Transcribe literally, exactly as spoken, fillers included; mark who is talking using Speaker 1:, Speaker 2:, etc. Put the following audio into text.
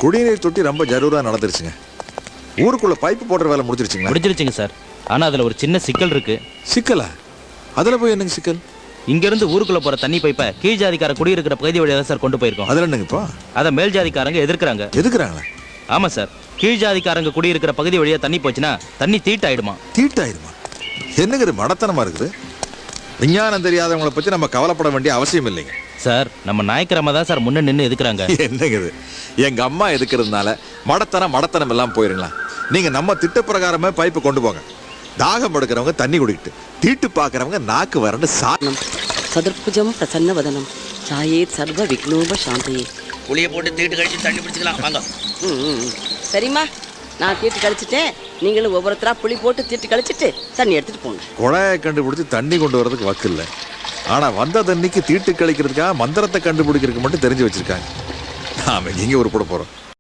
Speaker 1: குடிநீர் தொட்டி ரொம்ப ஜரூரா நடந்துருச்சுங்க. ஊருக்குள்ள பைப்பு போடுற வேலை முடிச்சிருச்சுங்களா?
Speaker 2: முடிச்சிருச்சுங்க சார். ஆனா அதுல ஒரு சின்ன சிக்கல் இருக்கு.
Speaker 1: சிக்கலா? அதுல போய் என்னங்க சிக்கல்?
Speaker 2: இங்க இருந்து ஊருக்குள்ள போற தண்ணி பைப்பை கீழ் ஜாதிக்கார குடியிருக்கிற பகுதி வழியா தான் சார் கொண்டு போயிருக்கோம்.
Speaker 1: அதுல என்னங்க இப்போ?
Speaker 2: அதை மேல் ஜாதிக்காரங்க எதிர்க்கிறாங்க.
Speaker 1: எதுக்குறாங்களா?
Speaker 2: ஆமா சார். கீழ் ஜாதிக்காரங்க குடியிருக்கிற பகுதி வழியா தண்ணி போச்சுன்னா தண்ணி தீட்டாயிடுமா.
Speaker 1: தீட்டாயிடுமா? என்னங்க இது மடத்தனமா இருக்குது? விஞ்ஞானம் தெரியாதவங்களை பத்தி நம்ம கவலைப்பட வேண்டிய அவசியம் இல்லைங்க
Speaker 2: சார். நம்ம நாயக்கிரமா தான் சார் முன்ன நின்று எதுக்குறாங்க.
Speaker 1: என்னங்க இது? எங்க அம்மா எதுக்குறதுனால மடத்தனம் மடத்தனம் எல்லாம் போயிருங்களா? நீங்க நம்ம திட்ட பிரகாரமே பைப்பு கொண்டு போங்க. தாகம் எடுக்கிறவங்க தண்ணி குடிக்கிட்டு, தீட்டு பார்க்கறவங்க நாக்கு வறண்டு சாணம்.
Speaker 3: சதுர்புஜம் பிரசன்ன வதனம் சாயே சர்வ விக்னோப சாந்தையே.
Speaker 2: புளிய போட்டு தீட்டு கழிச்சு தண்ணி பிடிச்சிக்கலாம் வாங்க.
Speaker 3: ம் சரிம்மா, நான் தீட்டு கழிச்சிட்டேன். நீங்களும் ஒவ்வொருத்தரா புளி போட்டு தீட்டு கழிச்சிட்டு தண்ணி எடுத்துட்டு போங்க.
Speaker 1: குழாயை கண்டுபிடிச்சி தண்ணி கொண்டு வரதுக்கு வக்கு இல்லை. ஆனா வந்த தண்ணிக்கு தீட்டு கழிக்கிறதுக்காக மந்திரத்தை கண்டுபிடிக்கிறதுக்கு மட்டும் தெரிஞ்சு வச்சிருக்காங்க. நாம எங்க ஒரு போட போறோம்.